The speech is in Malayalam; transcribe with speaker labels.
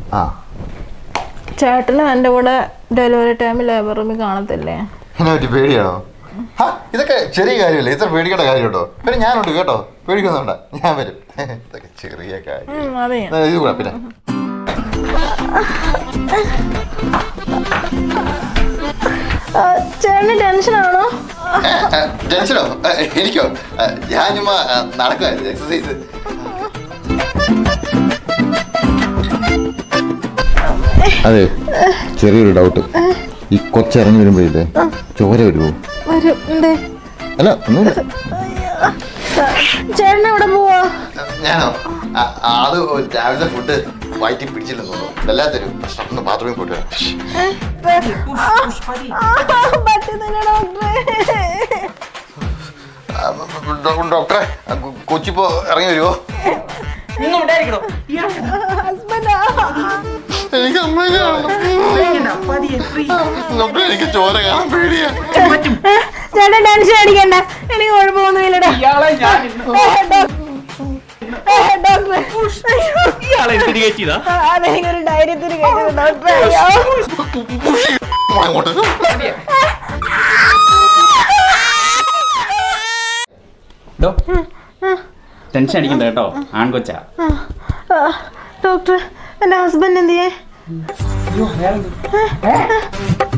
Speaker 1: ആ
Speaker 2: ചേട്ടനും എൻ്റെ കൂടെ ഡെലിവറി ടൈമിൽ ലേബർ റൂമിൽ കാണത്തില്ലേ?
Speaker 1: എന്നെ പറ്റി പേടിയാണോ? ഇതൊക്കെ ചെറിയ കാര്യമല്ലേ, ഇത്ര പേടിക്കേണ്ട കാര്യം കേട്ടോ. പിന്നെ ഞാനുണ്ട് കേട്ടോ, പേടിക്കുന്നുണ്ട, ഞാൻ വരും. ഇതൊക്കെ ചെറിയ കാര്യം. ഇത് കൂടെ പിന്നെ
Speaker 2: ചേട്ടന് ടെൻഷനാണോ?
Speaker 1: ടെൻഷനോ? എനിക്കോ? ഞാൻ ചുമ്മാ നടക്കുമായിരുന്നു, എക്സസൈസ്. അതെ, ചെറിയൊരു ഡൗട്ട്. ഈ കൊച്ചിറങ്ങി വരുമ്പോഴേ ചോര വരുമോ? അല്ല ഒന്നുമില്ല.
Speaker 2: ചേട്ടൻ എവിടെ പോവാ? ഞാനോ?
Speaker 1: അത് രാവിലത്തെ ഫുഡ് വയറ്റി പിടിച്ചില്ലെന്ന് തോന്നുന്നു. വല്ലാത്തൊരു പ്രശ്നം. ഒന്ന് ബാത്റൂമിൽ പോയിട്ട് ഡോക്ടറെ, കൊച്ചിപ്പോ ഇറങ്ങി വരുമോ? എനിക്ക് എനിക്ക് ചോര കാണാൻ പേടിയാ.
Speaker 2: ചേട്ടൻ ടെൻഷൻ അടിക്കണ്ട, എനിക്ക് കുഴപ്പമൊന്നുമില്ലടാ. അതെനിക്കൊരു ധൈര്യത്തിന്
Speaker 3: ടെൻഷൻ അടിക്കണ്ട കേട്ടോ, ആൺകൊച്ചാ.
Speaker 2: ഡോക്ടർ, എന്റെ ഹസ്ബൻഡ് എന്തിയേ?